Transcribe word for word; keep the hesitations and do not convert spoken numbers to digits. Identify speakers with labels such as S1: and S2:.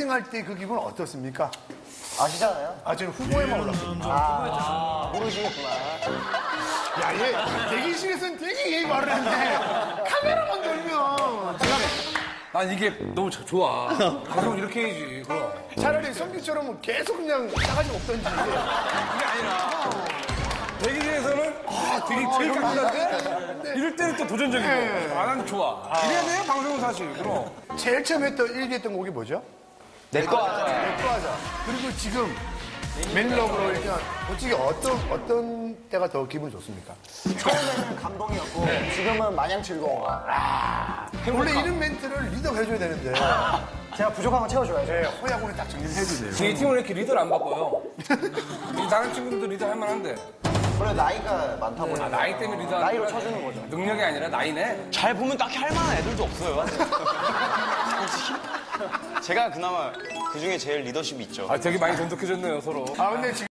S1: 일 등 할 때 그 기분 어떻습니까?
S2: 아시잖아요?
S1: 아, 저는 후보에만 올랐습니다.
S2: 아, 모르시겠구나.
S1: 야, 얘 대기실에서는 되게 예의 바르는데 카메라만 돌면
S3: 난 이게 너무 저- 좋아. 방송 이렇게 해야지. 그럼.
S1: 차라리 성규처럼 계속 그냥 싸가지 없던지.
S3: 그게 아니라 대기실에서는 아 되게 제일 강한데 이럴 때는 또 도전적이고 아, 난 좋아. 이래야 돼요 방송은 사실. 그럼.
S1: 제일 처음 했던 일 위 했던 곡이 뭐죠?
S2: 내꺼 하자.
S1: 내꺼 하자. 그리고 지금 맨러브로 일단 솔직히 어떤 어떤 때가 더 기분이 좋습니까?
S2: 처음에는 감동이었고 지금은 마냥 즐거워.
S1: 원래 이런 멘트를 리더가 해줘야 되는데
S2: 제가 부족한 건 채워줘야죠.
S1: 네, 허약원에 딱 정리를 해주세요.
S3: 저희 팀은 왜 이렇게 리더를 안 바꿔요? 이 다른 친구들도 리더 할 만한데.
S2: 원래 나이가 많다 보니까
S3: 아, 나이 때문에 리더
S2: 나이로 쳐주는 거죠.
S3: 능력이 아니라 나이네.
S4: 잘 보면 딱히 할 만한 애들도 없어요. 솔직히. 제가 그나마 그 중에 제일 리더십이 있죠.
S3: 아 되게 많이 돈독해졌네요 서로.
S1: 아 근데 지금